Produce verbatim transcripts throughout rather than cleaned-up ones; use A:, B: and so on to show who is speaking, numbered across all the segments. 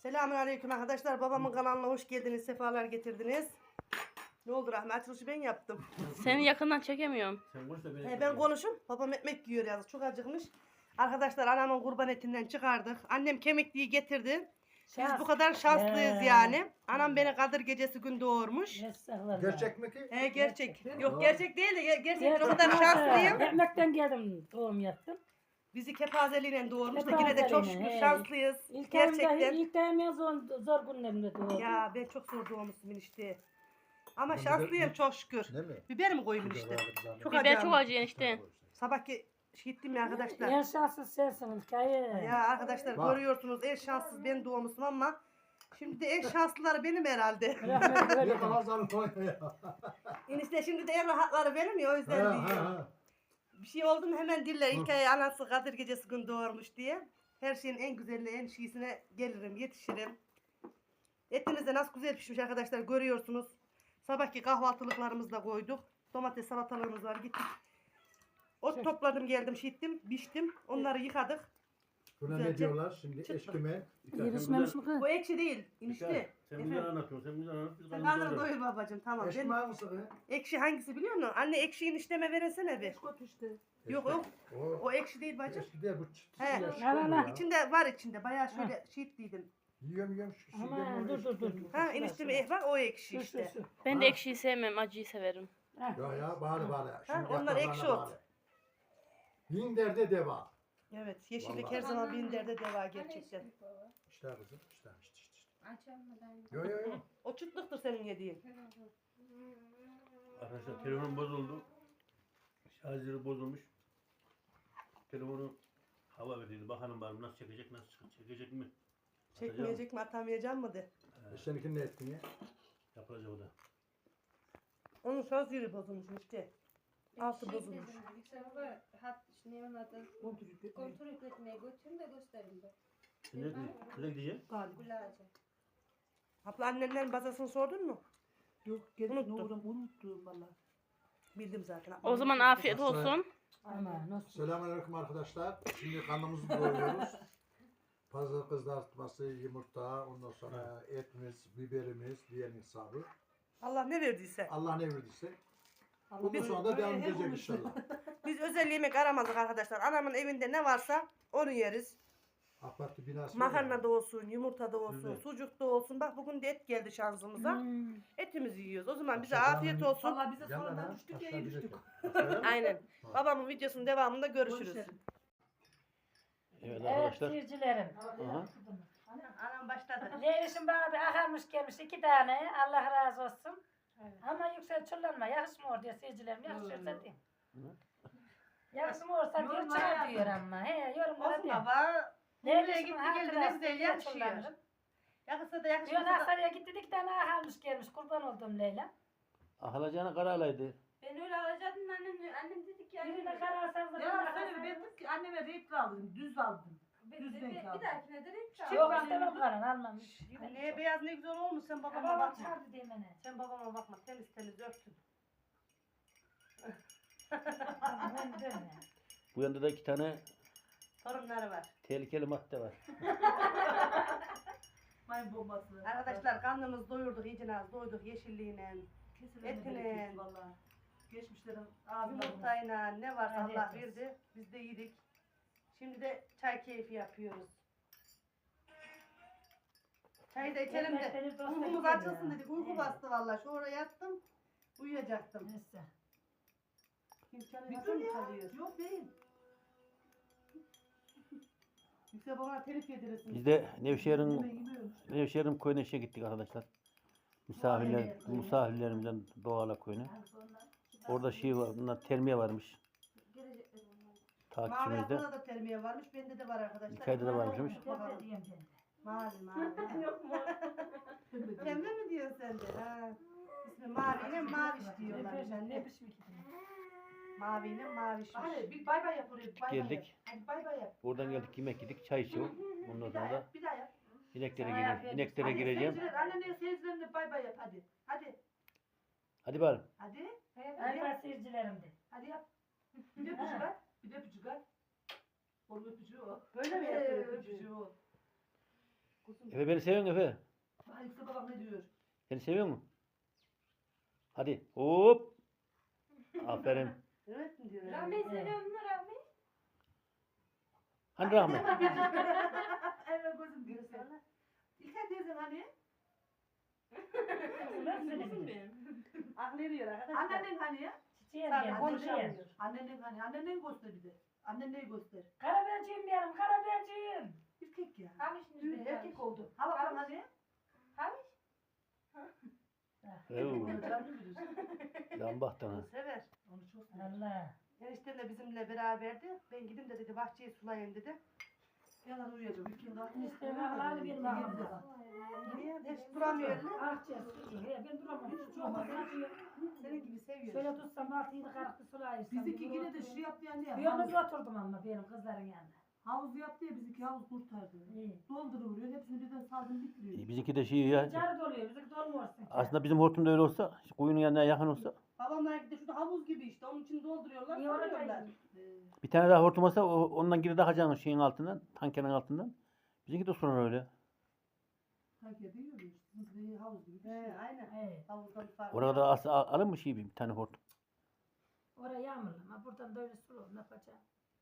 A: Selamünaleyküm arkadaşlar. Babamın kanalına hoş geldiniz. Sefalar getirdiniz. Ne oldu Rahmi? Açılışı ben yaptım.
B: Seni yakından çekemiyorum.
C: Sen konuş da beni
A: He, ben konuşum. Babam ekmek yiyor yazık. Çok acıkmış. Arkadaşlar anamın kurban etinden çıkardık. Annem kemikliği getirdi. Biz
D: Şans.
A: bu kadar şanslıyız
D: He.
A: yani. Anam beni Kadir gecesi gün doğurmuş.
D: Estağfurullah.
E: Gerçek mi ki?
A: He gerçek.
D: Gerçek.
A: Yok gerçek değil de ger- gerçekten o kadar
D: Gerçekten
A: şanslıyım.
D: Ekmekten geldim, doğum yaptım.
A: Bizi kepazeliğine doğurmuş da yine de çok şükür
D: Kepazeliğine, he.
A: şanslıyız.
D: İlk
A: Gerçekten.
D: ayımda, ilk ayım zor, zor günlerimde doğdum.
A: Ya ben çok zor doğmuşum işte. Ama
E: Ben
A: şanslıyım
E: biber-
A: çok şükür.
E: Değil mi?
A: Biber mi koyayım
E: Biber
A: işte?
E: aldım zaten.
A: Çok
B: Biber
A: acayip.
B: çok acı enişte.
A: Sabahki gittim ya arkadaşlar.
D: En şanssız sensin hikaye.
A: Ya arkadaşlar
E: Bak.
A: görüyorsunuz en şanssız ben doğmuşum ama şimdi de en şanslıları benim herhalde.
D: Rahmet
E: Ne
D: öyle.
E: kadar zarı koyma ya.
A: Enişte şimdi de en rahatları benim ya o yüzden
E: Ha, ha,
A: diyor.
E: ha.
A: Bir şey oldu mu hemen diller ilk ay anası Kadir gecesi gün doğurmuş diye. Her şeyin en güzeline en şiisine gelirim yetişirim. Etimiz de nasıl güzel pişmiş arkadaşlar görüyorsunuz. Sabahki kahvaltılıklarımızı da koyduk. Domates salatalığımız var gittik. Ot topladım geldim şittim biçtim onları yıkadık.
E: Buna
A: Güzelce
E: ne diyorlar şimdi?
A: çıtlık.
E: Eşkime.
D: Yetişmemiş mi kız?
A: Bu ekşi değil enişte.
C: Sen güzel anlatıyorsun. Sen güzel anlat. Biz
A: Sen
C: karnımızı
A: karnını
C: doyuralım.
A: doyur babacığım tamam.
E: Eşkime
A: Ben,
E: hangisi be?
A: ekşi hangisi biliyor musun? Anne ekşiyi işleme veresene bir. Yok yok
E: O,
A: o ekşi değil bacım.
E: eşki değil bu çıtısı
A: He.
E: eşki
D: Al, al,
E: oluyor
D: al.
E: ya.
A: İçinde var içinde bayağı şöyle şiitliydim.
E: Yiyorum yiyorum şu şeyden
D: Aman
E: onu
D: dur dur dur.
E: eşki-
A: Ha enişteme eh var o ekşi
D: Şu, şu,
A: işte.
D: şu.
B: Ben de
E: Ha.
B: ekşiyi sevmem, acıyı severim.
D: Ha.
E: Ya ya bari bari. Şimdi
A: onlar
E: yaprağına
A: ekşi ot.
E: bari. Bin derde deva.
A: Evet yeşillik
E: Vallahi.
A: her zaman bin derde deva gerçekten.
E: İşte kızım işte işte işte.
F: Açamadan.
E: Yo yo yo.
A: O çıtlıktır senin yediğin.
C: Arkadaşlar telefonum bozuldu. Şarjı bozulmuş. Telefonu hava verdiydi. Bakalım bari nasıl çekecek, nasıl çıkacak, çekecek mi?
A: Çekmeyecek mi atamayacağım mı de.
E: E seninkinin ne ettin ya?
C: Yapılacak o da.
A: Onun şans yeri bozulmuş işte. Altı bozulmuş.
F: Yüksel baba hat ne onun adı? Kontrol etmeye götürün de göstereyim de.
C: Sen ne, nereye gideceksin?
F: Gulaca.
A: Abla annenden bazasını sordun mu?
G: Yok gel
A: Unuttum.
G: unuttum. Unuttum valla.
A: Bildim zaten.
B: O zaman afiyet olsun.
D: Ama nasıl?
E: Selamünaleyküm arkadaşlar. Şimdi karnımızı doyuruyoruz. Pazar kızartması, yumurta, ondan sonra etimiz, biberimiz, diğer hesabı.
A: Allah ne verdiyse.
E: Allah ne verdiyse. Bundan
A: Biz-
E: sonra da devam edecek inşallah.
A: Biz özel yemek aramadık arkadaşlar. Anamın evinde ne varsa onu yeriz.
E: AK Parti binası var ya.
A: Makarna da olsun, yumurta da olsun,
C: Evet.
A: sucuk da olsun. Bak bugün de et geldi şansımıza.
D: Hmm.
A: Etimizi yiyoruz. O zaman bize
E: Akşam
A: afiyet
E: hemen-
A: olsun.
G: Valla bize
E: Yanına
G: sonradan
E: ha,
G: düştük ya
E: aşağı
G: iyi
E: bir
G: düştük.
A: Aynen. Babamın videosunun devamında görüşürüz.
G: Görüşelim.
C: Evet
D: Evet
C: arkadaşlar.
D: seyircilerim.
C: Aha.
A: Anam başladı.
D: Leyişim bana bir akarmış gelmiş iki tane. Allah razı olsun. Ama yüksel çullanma. Yakışmıyor diye seyircilerim. Yakışıyorsa diyeyim. Yakışmıyorsa diyor
G: Yorumlara
D: çıkar
G: yazın.
D: diyor ama. He yorumlara
A: Olsun
D: diyor.
A: baba.
D: Nereye
A: Nereye gitti geldi ne güzel yakışıyor. Yakışsa da
D: Diyor
A: yakışmasa da.
D: Aksaray'a gitti iki tane akarmış gelmiş. Kurban oldum Leyla.
C: Ahalacağına kara alaydı.
F: Ben öyle alacaktım annem annem dedi ki
D: Birine kararsanız da
G: Ya söyle ben dedim ki anneme renkli aldım. Düz aldım.
F: bir,
G: düz
F: bir,
G: renk
F: bir,
G: aldım.
F: bir dahakine de renk çal.
D: Yok istemem karan almam.
A: Ne beyaz ne güzel olmuş sen babama
D: Babam
A: bakma.
D: çağırdı diye beni.
A: Sen babama bakma temiz temiz örtün.
D: Ben dön ya.
C: Bu yanda da iki tane
A: Torunları var.
C: tehlikeli madde var.
G: Mayın bombası.
A: Arkadaşlar karnımız doyurduk iyice az doyduk yeşilliğine,
G: Kesin
A: etine,
G: valla. Geçmişlerin ağzına.
A: yumurtayla ne varsa
D: Afiyet
A: Allah
D: olsun.
A: verdi. Biz de yedik. Şimdi de çay keyfi yapıyoruz. Çayı da içelim de.
D: Yemekleri dosta
A: Uykumuz
D: gidiyor
A: açılsın
D: ya.
A: dedik. Uyku
D: Evet.
A: bastı valla. Şu oraya yattım. Uyuyacaktım.
D: Neyse.
A: İmkanı
G: Bir
A: nasıl
G: dur
A: mı
G: ya.
A: kalıyor?
G: Yok değil.
A: Yüksel bana telif yedirirsin.
C: Biz de Nevşehir'in
G: Yemiyormuş.
C: Nevşehir'in köyüne işe gittik arkadaşlar. Misafirler, misafirlerimizden Doğala köyüne. Orada şey var, bunlar termiye varmış.
A: Mavi
C: Takipçimizde.
A: aklına da termiye varmış. Bende de var arkadaşlar.
C: İlkay'da da varmışmış.
D: Ben de diyeyim ben de.
A: Mavi mavi.
G: Yok mu?
A: Pembe mi diyorsun sen de? Ha. İsmi maviyle maviş diyorlar.
D: Ne
A: Yani.
D: ne biçim iki tane?
A: Maviyle mavişmiş.
G: Hadi bir bay bay yap oraya. Bay bay
C: Geldik.
G: yap. Hadi bay bay yap.
C: Oradan geldik yemek yedik, çay içiyor. Ondan
G: Bir daha
C: sonra da
G: yap. Bir daha yap.
C: ineklere
D: Sana
C: gireceğim.
D: afiyet
C: İneklere
G: Hadi
C: gireceğim.
G: seyirciler, Annenle seyircilerine bay bay yap hadi. Hadi.
C: Hadi bari.
G: Hadi.
D: Ay ben seyircilerim de.
G: Hadi yap. Bir de öpücük at. Bir de öpücük at. Onun öpücüğü o.
A: Böyle mi
G: Ee,
A: yapıyor
G: öpücüğü
A: öpücüğü?
G: o.
A: Kuzum.
C: Efe beni seviyor musun Efe?
G: Bak Yüksel babam ne diyor?
C: Seni seviyor mu? Hadi hop. Aferin.
A: Evet mi diyor?
F: Rahmi seviyor musun Rahmi?
C: Hani rahmet.
G: Evet gözüm diyor sana. İlker teyzen hani?
A: Aklı eriyor arkadaşlar.
G: Annen hani?
D: Çiçeğe
A: Tabii,
D: geldi.
A: konuşamıyor.
G: Annen hani? Annen neyi göster bir de? Annen neyi göster?
D: Karabiberciyim diyelim, karabiberciyim.
G: Erkek ya.
F: Hamişiniz
G: Düğün
F: bir
G: erkek oldu. Hava falan hani?
F: Hamiş?
C: Oo,
G: Onu canlı bilir.
C: lan baktın ha.
A: Sever.
G: Onu çok sever.
D: Allah.
A: Eniştem de bizimle beraberdi. Ben gidin de dedi bahçeyi sulayayım dedi.
G: Yalan uyuyacak. Ülkenin aklını
D: İşte vallahi benim aklımda.
A: Niye? Hiç duramıyor öyle.
D: Ah cesur. He, ben duramam. Hiç olmaz. Ne yapıyor?
A: Senin gibi seviyor.
D: Şöyle tutsam altı yedi karıklı sulayırsam.
G: Bizimki yine de şu yaptı yani ya.
D: Yalnız oturdum ama benim kızların yanında.
G: Havuz yaptı ya bizimki havuz kurtardı.
D: İyi.
G: Dolduruvuruyor. Hepsini birden saldım bitiriyor.
C: Bizimki de şey ya.
D: Carı doluyor, bizimki dolmuyorsun.
C: Aslında bizim hortumda öyle olsa, kuyunun yanına yakın olsa,
A: Babamlar de şurada havuz gibi işte. Onun için dolduruyorlar.
D: İyi orada
A: Sarıyorlar.
C: bir tane daha hortum olsa o- ondan geri takacaksın şeyin altından, tankerin altından. Bizimki de sonra öyle.
G: Sanki de yürüyor. Bizimki havuz gibi bir şey.
A: He, aynen.
D: Evet.
A: Havuzdan farklı.
C: Orada as- al- alın mı şey bir tane hortum?
D: Oraya yağmurlu ama buradan da öyle sulu ne yapacağım?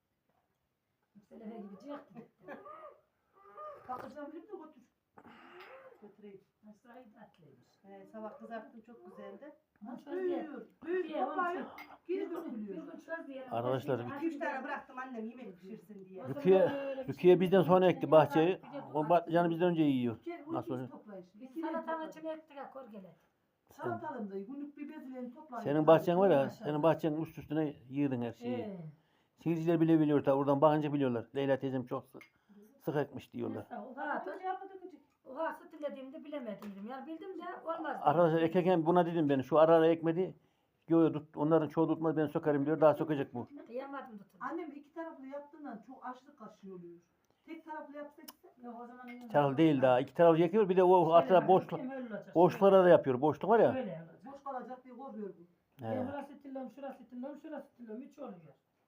D: Selefe gibi cık.
G: Kalkacağım bilip de götür.
A: Götüreyim.
D: Nasıl iyi tatlıymış.
A: He, sabah kızarttım çok güzeldi.
D: Nasıl
G: Büyüyor. Büyüyor. Toplayıp geri dökülüyor.
C: Arkadaşlar,
A: iki üç tane bıraktım annem yemek pişirsin diye.
C: Rukiye- Rukiye bizden sonra ekti bahçeyi. O patlıcanı bizden önce yiyor.
G: Gel
C: Nasıl
G: ucuz
C: oluyor?
G: toplayış.
D: Salatanın içine ettik ha korgele.
G: Salatalım da günlük bir bezilerini toplayın.
C: Senin bahçen var ya, senin bahçenin üst üstüne yığdın her şeyi.
D: Ee,
C: Seyirciler bile biliyor tabi, oradan bakınca biliyorlar. Leyla teyzem çok sık, sık ekmiş diyorlar.
D: Oha, oha süt dilediğimde bilemedim. Yani bildim de olmaz.
C: Arkadaşlar ekerken buna dedim ben, şu ara ara ekmedi. Yo yo tut, onların çoğu tutmaz, ben sökerim diyor, daha sökecek bu.
D: Kıyamadım tutun.
G: Annem iki taraflı yaptığından çok açlık kaşığı oluyor. Tek taraflı yapsak
D: Yok o zaman.
C: Çarıl değil daha, iki tarafı yakıyor, bir de o arada boşluk, boşluklara da yapıyor. Boşluk var ya.
D: Öyle olacak.
G: boş kalacak diye korkuyor bu.
D: Ben
C: He.
D: burası tillom, şurası tillom, şurası tillom. Üç oluyor.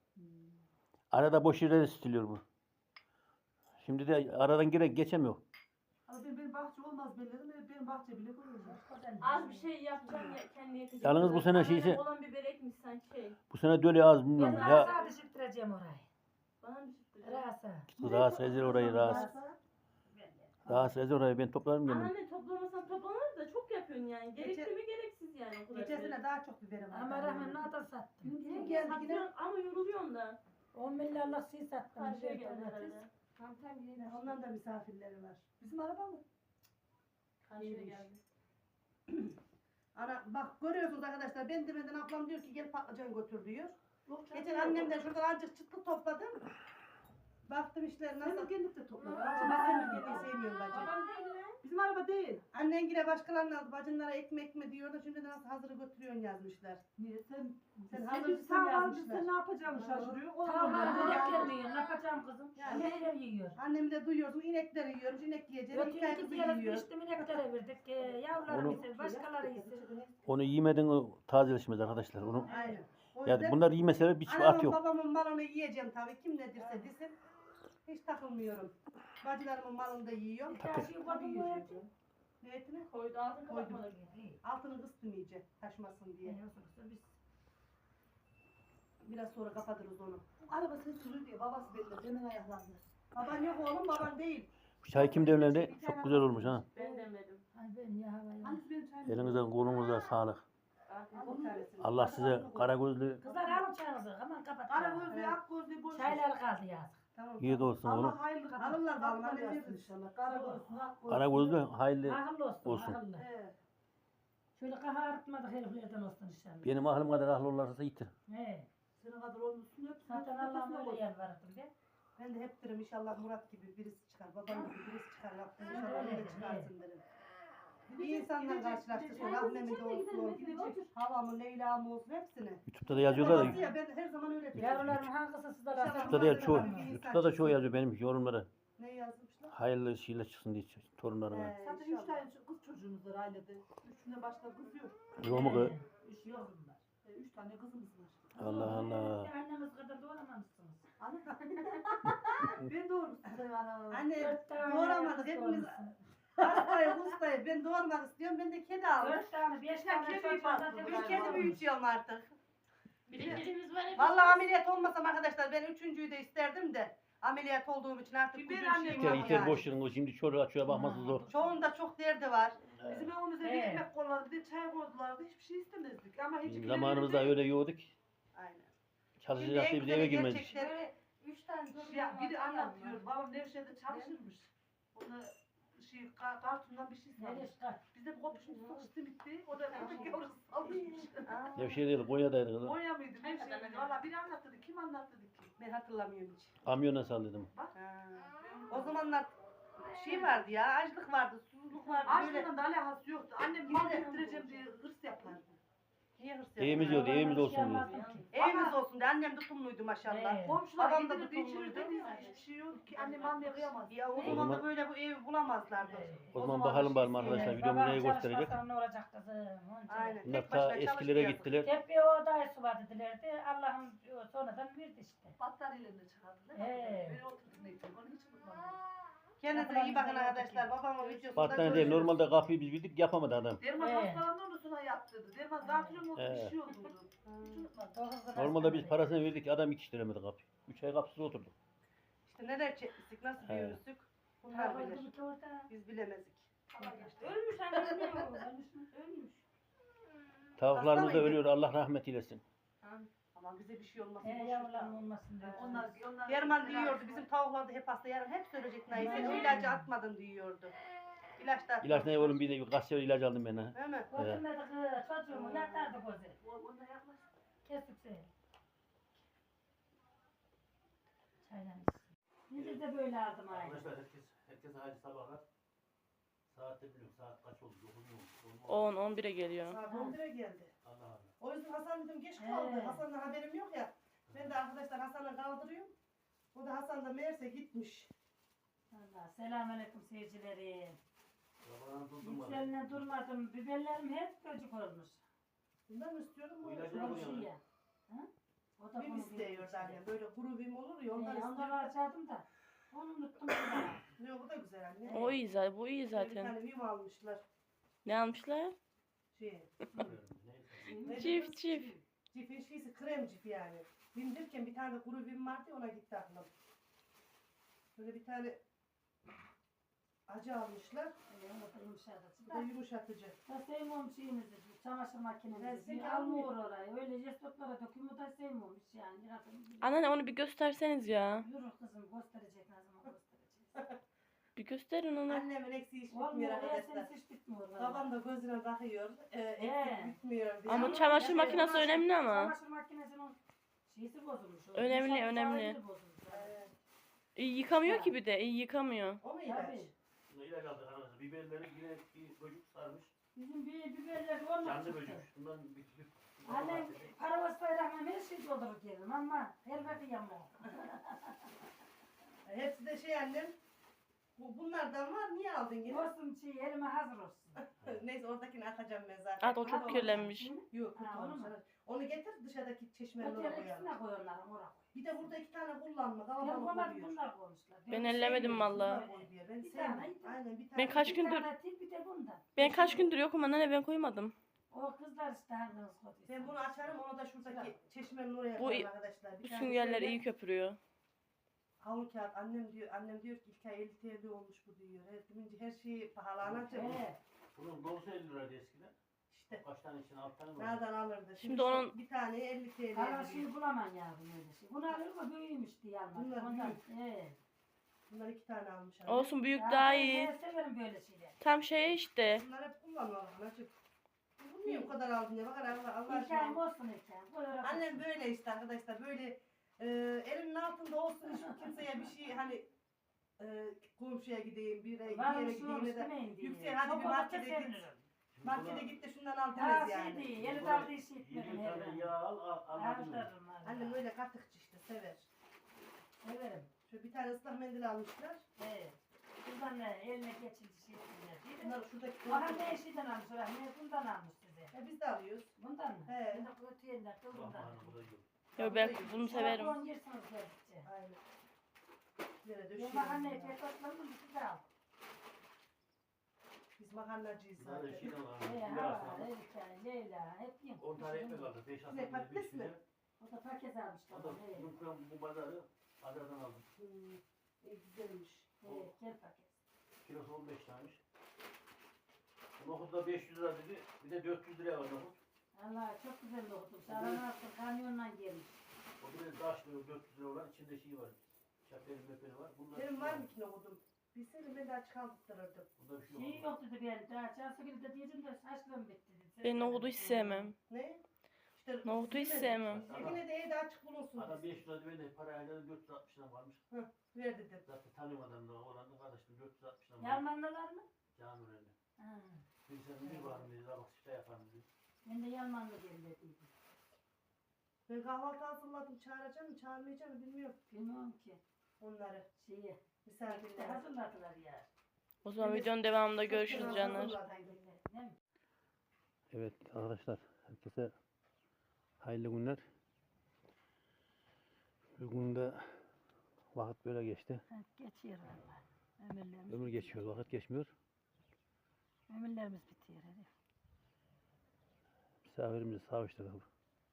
C: Arada boş yerleri stiliyor bu. Şimdi de aradan gire geçemiyor.
G: Ama benim, benim bahçe olmaz belledim. Benim bahçe bile koyuyor.
B: Az bir şey yapacağım ya kendi yetecek.
C: Yalnız bu sene
B: Anneannem
C: şeyse-
B: olan biber ekmiş sanki şey.
C: Bu sene döle az
D: Ben
C: bilmiyorum ya.
D: rasa düşürtüreceğim orayı.
B: Bana mı çıktı?
D: Rasa.
C: Rahatsız ezer orayı rahatsız. Rahatsız ezer orayı, ben toplarım dedim.
B: Anneanne toplamasan toplanır da çok yapıyorsun yani. Gerekli
A: Geçen-
B: mi gereksiz yani o kadar.
A: Gecesine daha çok biberim var.
D: Ama rahmen nada sattım.
A: Bizim geldi yine.
B: Satıyorsun ama yoruluyorsun da.
D: On milyarlık şey sattım.
B: Karşıya
D: Bir
B: geldi
D: domates.
B: herhalde.
F: Tam tam yine.
A: Ondan da misafirleri var.
G: Bizim araba mı?
B: Karşıya
A: İyiymiş.
B: geldi.
A: Ana bak görüyorsunuz arkadaşlar, ben demeden ablam diyor ki gel patlıcan götür diyor.
G: Yok canım.
A: Geçen annemden şuradan azıcık çıtlı topladım. Baktım işler nasıl.
G: Senin kendin de topla.
A: Ben senin geldiği sevmiyorum bacı.
F: Babam değil mi?
G: Bizim araba değil.
A: Annen yine başkalarının aldı. Bacınlara ekmek mi diyor da şimdi de nasıl hazırı götürüyorsun yazmışlar.
G: Niye? Sen,
A: Sen
G: sen
A: hazırcısın
G: sağ
A: yazmışlar.
G: yazmışlar. Sen ne yapacağını şaşırıyor. O
D: Tamam
G: zaman-
D: inekler mi yiyor? Ne yapacağım kızım?
A: Yani-
D: İnekler yiyor.
A: Annemi de duyuyorsun, inekleri yiyormuş, inek yiyeceğini iki
D: Götürdük
A: ayımızı
D: diyelim
A: yiyor.
D: piştim ineklere verdik. Ee, yavrularım
C: Onu-
D: ise başkaları ise.
C: Onu yemeden o tazeleşmez arkadaşlar. Onu,
A: Aynen. O
C: yani
A: yüzden
C: bunlar yemeseler bir çift at
A: anamın
C: yok.
A: babamın malını yiyeceğim tabii. Kim ne dirse desin. Hiç takılmıyorum. Bacılarımın malını da yiyorum.
D: Her şeyi koydum bu eti.
A: Ne etini?
B: Koydu altın
A: Koydum.
B: kapatmadı.
A: Altını kıstım iyice taşmasın diye.
D: Biz
A: Biraz sonra kapatırız onu.
G: Araba ses sürüyor diye babası belli. Hemen ayaklandı.
A: Baban yok oğlum, baban değil.
C: Bu çay kim demlendi? Çok güzel olmuş ha.
B: Ben demedim.
D: Ay ben ya havaya.
G: Annesi benim çayımı.
C: Elinizden kolunuza sağlık.
B: Afiyet
A: Al bir tanesini.
C: Allah size kara gözlü
D: Kızlar alın çayınızı. Aman kapat.
G: Kara
D: ya.
G: gözlü, ak gözlü, boş.
D: Çaylar kaldı yazık.
A: Tamam.
C: yiğit olsun oğlum.
G: Allah hayırlı kapat.
A: Alırlar vallahi,
G: Alırlar
A: ne deriz?
G: inşallah. Kara gözlü, ak gözlü.
C: Kara gözlü hayırlı.
D: Akıllı olsun.
C: Olsun.
D: Akıllı.
A: He.
D: Şöyle kafa artmadık heriflerden olsun inşallah.
C: Benim aklım kadar aklı olursa yitir.
D: He.
G: Senin kadar olmuşsun hep.
D: Zaten Allah'ım öyle yer vardır be.
A: Ben de hep derim inşallah Murat gibi birisi çıkar, babam gibi birisi çıkar. Rabbim
D: Ben de
A: inşallah
D: öyle
A: öyle
D: derim,
A: çıkarsın derim. İyi insanla karşılaştırsın. Rahmemi de olsun.
G: Gidecek.
A: Havamı, Leyla'mı olsun hepsini.
C: YouTube'da da yazıyorlar
A: Babası
C: ya.
A: ya, ben her zaman öyle diyorum.
D: Yavrularım hangisi sizde var?
A: İnşallah
C: YouTube'da da, çoğu,
A: Babası da
C: YouTube'da da çoğu yazıyor benim yorumlara.
A: Ne yazmışlar?
C: Hayırlı şeyler çıksın diye torunlarına.
A: He,
G: Zaten üç
A: inşallah.
G: tane kız çocuğumuz var ailede. Üçünden başka kız yok.
C: Yok mu kız?
G: Üç yok. E, Üç tane kızımız var.
C: Allah Allah.
D: Anneniz kadar doğramamışsınız.
G: Ana. Ben doğurmuşsun sen ana.
A: Anne
D: Dört tane.
A: doğuramadık. Hepimiz hastayız, ustayız. Ben doğurmak istiyorum. Ben de kedi aldım.
D: Dört tane, beş
G: Ya
D: tane
G: kedi
D: çocuğum
G: baktı
D: zaten
A: Bir
G: buraya.
A: kedi büyütüyorum artık.
B: Biriktirimiz var hep.
A: Vallahi ameliyat olmasam arkadaşlar ben üçüncüyü de isterdim de ameliyat olduğum için artık
G: Biber
A: uzun
G: annem
A: şeyim
C: İter
A: yok
C: iter
A: yani.
C: boş yerin o şimdi çoruğa çocuğa bakması
D: Ha.
C: zor.
A: Çoğunda çok derdi var.
G: Bizim evimizde bir
D: Evet.
G: ekmek koyarlardı, bir de çay koydulardı. Hiçbir şey istemezdik. Ama hiç
C: Bizim zamanımızda öyle yoğurduk.
A: Aynen. Şimdi
C: Çalışacak
A: en
C: diye biz
A: güzeli
C: eve girmedik.
A: gerçekten
F: Böyle üç tane çocuğum
G: Ya
F: var,
G: biri
F: kıyamam.
G: anlatıyor. Babam Nevşehir'de çalışırmış. Ona şey ka- kartondan bir şey
D: Nereye
G: salmış.
D: çıkar?
G: Bizde kopuşmuştuk simitti. O da köpek yavrusu salmış.
A: Aa,
C: Nevşehir değil Konya'daydı kızım.
G: Konya mıydı? Nevşehir'de. Valla biri anlattı. Kim anlattı ki?
A: ben hatırlamıyorum hiç.
C: Kamyona saldırdım.
A: Ha. O zamanlar şey vardı ya, açlık vardı, susuzluk vardı böyle.
G: Açlığından da alakası yoktu. Annem mal getireceğim diye hırs yapardı.
A: Niye hırs
C: Evimiz
A: yapıyorsun?
C: yok, evimiz olsun diye.
D: Yapmazdım ki.
A: Evimiz olsun diye annem tutumluydu maşallah.
D: Evet.
G: Komşular
A: Babam da
G: getirirdi
A: tutumluydu.
G: içirirdi. Hiçbir şey yok ki. Annem almaya kıyamaz.
A: Ya o
C: O
A: zaman
C: zaman-
A: da böyle bu evi bulamazlardı.
C: O zaman bakalım var mı arkadaşlar
D: Evet,
C: videomu
D: babam
C: neye gösterecek.
D: çalışmasa ne olacak kızım? Onca.
A: Aynen.
C: Bunlar
A: Tek başına
C: ta
A: çalıştı
C: eskilere
A: yazık.
C: gittiler.
D: Hep bir o dayısı var dedilerdi. Allah'ım sonradan verdi işte.
G: Battaniyelerine çıkardılar.
D: He.
G: Ben oturdum ne için. Onu hiç unutmam.
A: Kendinize iyi bakın arkadaşlar. Babamın videosunda
C: Battaniye değil,
A: görüşürüz.
C: normalde kapıyı biz bildik yapamadı adam.
G: Derman
D: He.
G: hastalandı onu sonra yaptırdı. Derman zatürre oldu
C: He.
G: bir şey oldu. Hiç unutmam.
D: Dokuz kız
C: Normalde biz
D: hastanede.
C: parasını verdik adam yetiştiremedi kapıyı. Üç ay kapısız oturduk.
A: İşte neler çekmiştik, nasıl
C: He.
A: büyürüzdük. Bunlar
D: Ha,
A: bilir.
D: oldu ki orada.
A: Biz bilemezik.
B: Ölmüş anne ölmüyor. Ölmüş mü? Ölmüş.
C: Tavuklarımız da
A: mıydı?
C: ölüyor Allah rahmet eylesin.
A: Ama bize bir şey olmasın.
D: He
A: boş ver.
D: yavrularım olmasın diyor.
G: Onlar, onlar
A: Derman diyordu bizim tavuklar da hep hasta yarın hep söyleyecek Nayse.
D: He.
A: İlacı atmadın diyordu. İlaç da atmadın.
C: İlaç ne oğlum bir de kaç sefer ilaç aldım ben ha.
A: Değil mi?
D: Götürmedi kız çocuğumu yatardı gözü.
G: Onlar yaklaş.
D: Kesip seyir. Çaydan Biz de böyle aldım aynı.
C: Arkadaşlar herkes, herkese hayırlı sabahlar. Saat de bilmiyorum saat kaç oldu? dokuz mu oldu?
B: on on bire geliyor.
A: Saat on bire geldi.
C: Allah Allah.
A: O yüzden Hasan dedim geç kaldı.
D: He.
A: Hasan'dan haberim yok ya. Ben de arkadaşlar Hasan'ı kaldırıyorum. O da Hasan da meğerse gitmiş.
D: Allah selamünaleyküm seyircilerim.
C: Sabahın durdurmadı.
D: Yükseline durmadım. Biberlerim hep böcek olmuş.
A: Bundan mı istiyorum?
C: Bu
A: Bu
C: ilacı
A: ilacı
C: da
D: Bu
C: koyuyorlar.
D: şey ya. Hı? O da
A: Bim
D: bunu
A: istiyor
D: bilmiyor.
A: annem. Böyle kuru bim olur ya ondan
D: He, ondan
A: istiyor.
D: harcadım da. Onu unuttum. bir
A: Yok bu da güzel anne.
B: O iyi zaten. Bu iyi
A: Bir
B: zaten.
A: tane bim almışlar.
B: Ne almışlar?
A: Şey.
C: Neyse.
A: ne
B: Çift
A: diyoruz?
B: çift.
A: Cifin şeysi krem cif yani. Bim derken bir tane kuru bim vardı ya, ona gitti aklım. Böyle bir tane acı almışlar.
D: daha. He, o da yumuşadı.
A: Bu da yumuşatıcı.
D: Ben sevmiyorum şeyinizi, çamaşır
A: Ben
D: makinenizi.
A: seni
D: Almıyor orayı. Öyle jestotlara dökümü da sevmiyorum hiç yani. Biraz
B: Anneanne onu bir gösterseniz ya.
D: Yürü kızım gösterecek ne zaman göstereceğiz.
B: Bir gösterin onu.
A: Annemin eksiği hiç bitmiyor
D: Olmuyor.
A: arkadaşlar.
D: Erseniz hiç bitmiyor. vallahi.
A: Babam da gözüne bakıyor. E, eksik
D: He.
A: bitmiyor diye.
B: Ama çamaşır makinesi
D: çamaşır-
B: önemli ama.
D: Çamaşır makinesinin şeysi bozulmuş. o.
B: Önemli,
D: Yumuşak
B: önemli.
D: zararı bozulmuş.
A: Ee,
B: İyi yıkamıyor ki bir de. İyi yıkamıyor.
A: o mu ilaç?
D: Tabii.
C: Bunda ilaç aldık arkadaşlar. Biberleri yine bir böcek sarmış.
D: Bizim bir biberler olmadı.
C: Canlı böcek. Bundan bir bir-
D: Annem paravas bayrağına her şey doldurur geldim ama her vakit yamma.
A: Hepsi de şey annem. Bu, bunlardan var. Niye aldın yine?
D: Olsun şey elime hazır olsun.
A: Neyse oradakini atacağım ben zaten.
B: At o çok kirlenmiş.
A: Yok kötü
D: Ha, onu
A: olmuş.
D: mu?
A: Onu getir dışarıdaki çeşmenin oraya
D: Öteki
A: koyalım.
D: ikisine koyuyorlar oraya.
A: Bir de burada iki tane kullanma.
D: Ben
A: Kalabalık
D: bunlar,
A: oluyor.
D: bunlar koymuşlar.
B: Ben
D: de
B: ellemedim
D: sevmiyorum.
B: vallahi.
A: Bunlar koy diye. Ben
D: Bir
A: sevmiyorum.
D: tane.
A: Aynen bir tane.
B: Ben kaç
D: Bir
B: gündür
D: tane til, bir de bundan.
B: ben kaç gündür yokum anneanne ben koymadım.
D: O kızlar işte hanginiz koyduysa.
A: Ben bunu açarım onu da şuradaki çeşmenin oraya
B: Bu-
A: koyarım arkadaşlar. Bir
B: Bu
A: tane
B: süngerler
A: şöyle
B: iyi köpürüyor.
A: havlu kağıt. Annem diyor, annem diyor ki ilk ay elli T L olmuş bu diyor. Her, demince her şeyi pahalanacak.
D: He.
C: Bunun dolusu elli liraydı eskiden.
A: İşte
C: Kaç tane için alt tane mi? var?
A: nereden alırdı?
B: Şimdi
A: şu
B: onun-
A: bir tane elli T L
D: Hala
A: diyor.
D: şey bulamam yavrum öyle şey. Bunu alır mı büyümüş diye almaz.
A: Bunlar
D: Ondan.
A: büyük.
D: He.
A: Bunlar iki tane almış annem.
B: Olsun büyük
D: Ya
B: daha
D: ben-
B: iyi.
D: Ben severim böyle şeyleri.
B: Tam şey işte.
A: Bunlar hep kullanıyorlar anacık. Bu niye bu kadar aldın ya? Bakar Allah, Allah
D: Hikayem
A: aşkına.
D: olsun hikayem. Buyur
A: Annem böyle işte arkadaşlar böyle e, elimin altında olsun hiç kimseye bir şey hani e, komşuya gideyim bir yere, bir
D: Var
A: yere
D: şu
A: gideyim ya da
D: istemeyin diye.
A: yüksel hadi bir
D: Çok
A: markete
D: olursa
A: git.
D: sevinirim.
C: Şimdi
A: Markete
C: buna
A: git de şundan al
D: Ya
A: demez
D: şey
A: yani.
D: değil. Yeni
C: Buna
D: daldığı şey
C: yirmi
D: etmedim
C: tane
D: her
C: yağ al al al. al.
D: Aldırırım
A: Annem
D: valla.
A: öyle katıkçı işte sever.
D: Severim.
A: Şöyle bir tane ıslak mendil almışlar.
D: Evet. Buradan ne eline geçildi şey ettiler. değil mi?
A: Bunlar şuradaki
D: Bana ne şeyden almış oraya? Ne bundan almış size?
A: E, biz de alıyoruz.
D: Bundan mı?
A: He.
D: Ben de kötü yerler kılından.
C: Aman, bu da yok.
B: Ya ben bunu severim.
D: On yersiniz geldikçe.
A: Aynen. Böyle
D: Ben
A: döşüyorum.
D: mahalle
A: bunları.
D: pek otlandım size al.
A: Biz makarnacıyız
C: Bir tane
A: zaten.
C: şey de var.
D: Hey,
C: Bir
D: hava,
C: arasında
D: Erika, Leyla, hep yiyin.
C: on tane ekmek aldı. Beş
A: Ne,
C: aslan
A: patates mi?
D: O da paket almış
C: O da
D: babam. He,
C: yumurtlam bu pazarı pazardan aldım.
A: Hmm, e, güzelmiş.
D: he, gel paket.
C: Kilosu on beş taneymiş. Nohut da beş yüz lira dedi. Bir de dört yüz liraya var nohut.
D: Allah çok güzel okudum. Sağlam altın kamyonla gelmiş.
C: O bir de taşlı dört yüz lira olan içinde şey var. Şapeli mepeli var. Bunlar
A: Benim var mı ki nohudum? Bilseydim ben daha çıkarttırırdım.
C: Bunda bir şey
D: Şey
C: yok.
D: yok dedi ben. Daha çarşı günü de diyeceğim de saçlarım bitti dedi.
B: Ben nohudu hiç sevmem.
A: Ne? İşte
B: Nohudu hiç sevmem.
A: Yine de evde açık bulunsun.
C: Adam beş yüz lira ben de para ayarladım dört yüz altmış lira varmış.
A: Ver dedim.
C: Zaten tanıyorum adamı olan da kardeşim dört yüz altmış lira varmış.
D: Yalmanlılar mı?
C: Canım öyle.
D: Ha.
C: Bir sen bir varım dedi. Bak işte yaparım dedi.
D: Ben de Yalmanlı geldim.
A: Ben kahvaltı hazırladım. Çağıracağım mı çağırmayacağım mı bilmiyorum
D: Bilmiyorum ki.
A: onları.
D: Şeyi.
A: Misafirler.
D: Hazırladılar ya.
B: O zaman videonun devamında görüşürüz canlar.
A: Hazırladım.
D: Değil mi?
C: Evet arkadaşlar herkese hayırlı günler. Bugün de vakit böyle geçti.
D: Ha, geçiyor valla. Ömürlerimiz,
C: Ömür geçiyor, vakit geçmiyor.
D: ömürlerimiz bitiyor. Hadi.
C: Misafirimizi savuşturduk.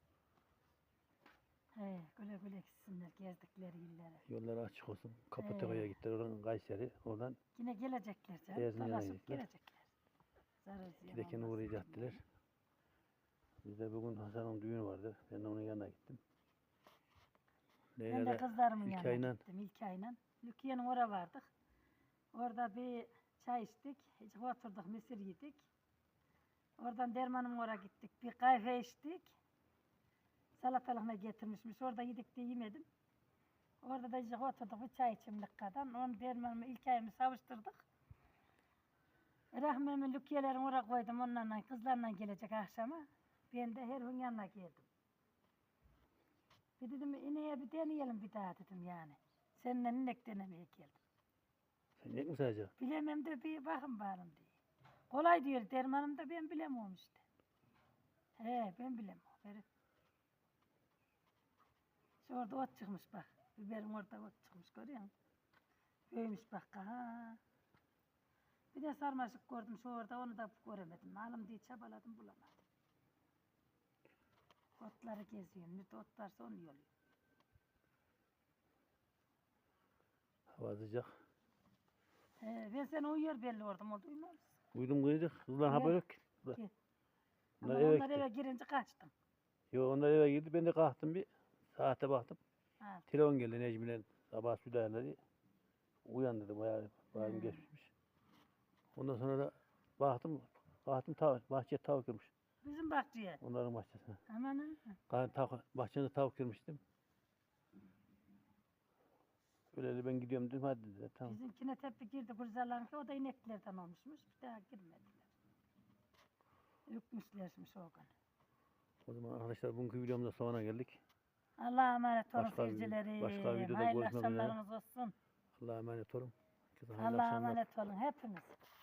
D: He, güle güle gitsinler gezdikleri illere.
C: Yolları açık olsun. Kapatakaya gittiler. Oradan Kayseri. Oradan
D: Yine gelecekler canım.
C: Erzincan'a
D: Dolaşıp
C: gidecekler.
D: gelecekler. Zarar ziyan
C: gidekeni
D: olmaz.
C: uğrayacaktılar. Biz de bugün Hasan'ın düğünü vardı. Ben de onun yanına gittim.
D: Ben de
C: Leyla da
D: kızlarımın yanına
C: İlkay'la
D: gittim. İlkay'la. Lükiye'nin oraya vardık. Orada bir çay içtik. Hiç oturduk, mısır yedik. Oradan Derman'ın oraya gittik. Bir kahve içtik. Salatalıkla getirmişmiş. Orada yedik de yemedim. Orada da işte oturduk bir çay içimlik kadar. Onu Derman'ımı, İlkay'ımı savuşturduk. Rahmi'mi Lükiyelerin oraya koydum. Onlarla, kızlarla gelecek akşama. Ben de her gün yanına geldim. Bir dedim ineğe bir deneyelim bir daha dedim yani. Seninle inek denemeye geldim.
C: sen ne mi sayacak?
D: Bilemem de bir bakın bakalım diye. Kolay diyor Derman'ım da ben bilemiyorum işte. He ben bilemiyorum. Evet. Şu orada ot çıkmış bak. Biberim orada ot çıkmış görüyor musun? Büyümüş bak ha. Bir de sarmaşık gördüm şu orada onu da göremedim. Alım diye çabaladım bulamadım. Otları geziyorum. Nerede ot varsa onu yoluyorum.
C: Hava sıcak.
D: He, ben seni uyuyor belli oldum. Oldu uyumaz mısın?
C: Uyudum kıydık. Kızlar haber yok ki.
D: Ki.
C: Onlar
D: Ama
C: eve
D: onlar
C: gitti.
D: eve girince kaçtım.
C: Yo onlar eve girdi. Ben de kalktım bir. Saate baktım.
D: Ha.
C: Telefon geldi Necmi'yle. Sabah südahaları. Uyan dedim. Bayağı, bayağı
D: Hmm.
C: geçmiş. Ondan sonra da baktım. Baktım tavuk. Bahçeye tavuk girmiş.
D: Bizim bahçeye.
C: Onların bahçesine.
D: Aman ha.
C: Tavuk, bahçede tavuk girmiştim. Öyle ben gidiyorum dedim. Hadi dedi. Tamam.
D: Bizimkine tepe girdi kurzalan ki o da ineklerden olmuşmuş. Bir daha girmediler. Ürkmüşlermiş o gün.
C: O zaman arkadaşlar bugünkü videomuzda sonuna geldik.
D: Allah'a emanet olun
C: Başka bir-
D: seyircilerim.
C: başka videoda
D: Hayırlı
C: görüşmek üzere.
D: akşamlarınız olsun.
C: Allah'a emanet olun. Herkese hayırlı
D: Allah'a
C: akşamlar.
D: emanet olun hepiniz.